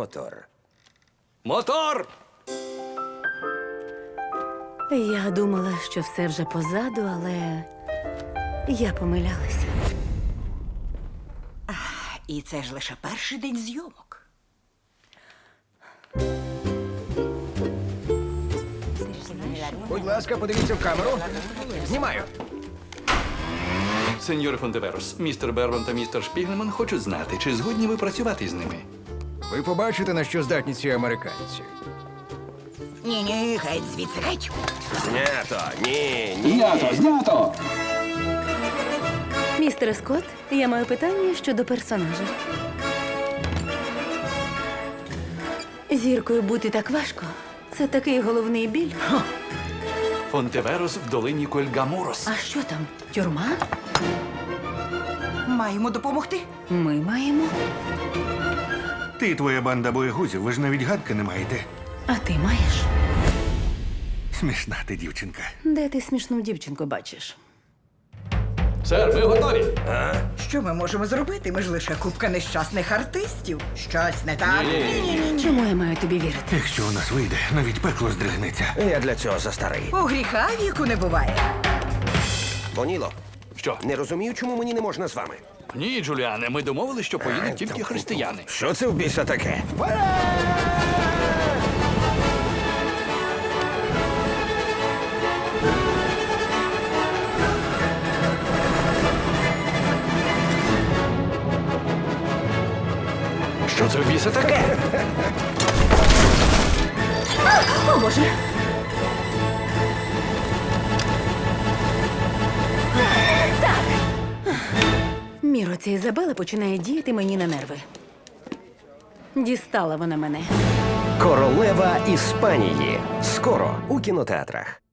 мотор. Мотор! Я думала, що все вже позаду, але я помилялася. І це ж лише перший день зйомок. Будь ласка, подивіться в камеру. Знімаю. Сеньоре Фонтеверос, містер Берван та містер Шпігельман хочуть знати, чи згодні ви працювати з ними. Ви побачите, на що здатні ці американці. Ні, геть звідси, геть. Знято. Ні. Знято! Містере Скотт, я маю питання щодо персонажа. Зіркою бути так важко. Це такий головний біль. Фонтеверос в долині Кольгаморос. А що там? Тюрма? Маємо допомогти. Ми маємо. Ти і твоя банда боєгузів, ви ж навіть гадки не маєте. А ти маєш? Смішна ти, дівчинка. Де ти смішну дівчинку бачиш? Сер, ми готові! Що ми можемо зробити? Ми ж лише купка нещасних артистів. Щось не так? Чому я маю тобі вірити? Якщо у нас вийде, навіть пекло здригнеться. Я для цього застарий. У гріха віку не буває. Боніло, Що? не розумію, чому мені не можна з вами. Ні, Джуліане, ми домовились, що поїдуть тільки християни. Що це в біса таке? Що це в біса таке? О, Боже! Так! Міро, ця Ізабела починає діяти мені на нерви. Дістала вона мене. Королева Іспанії. Скоро у кінотеатрах.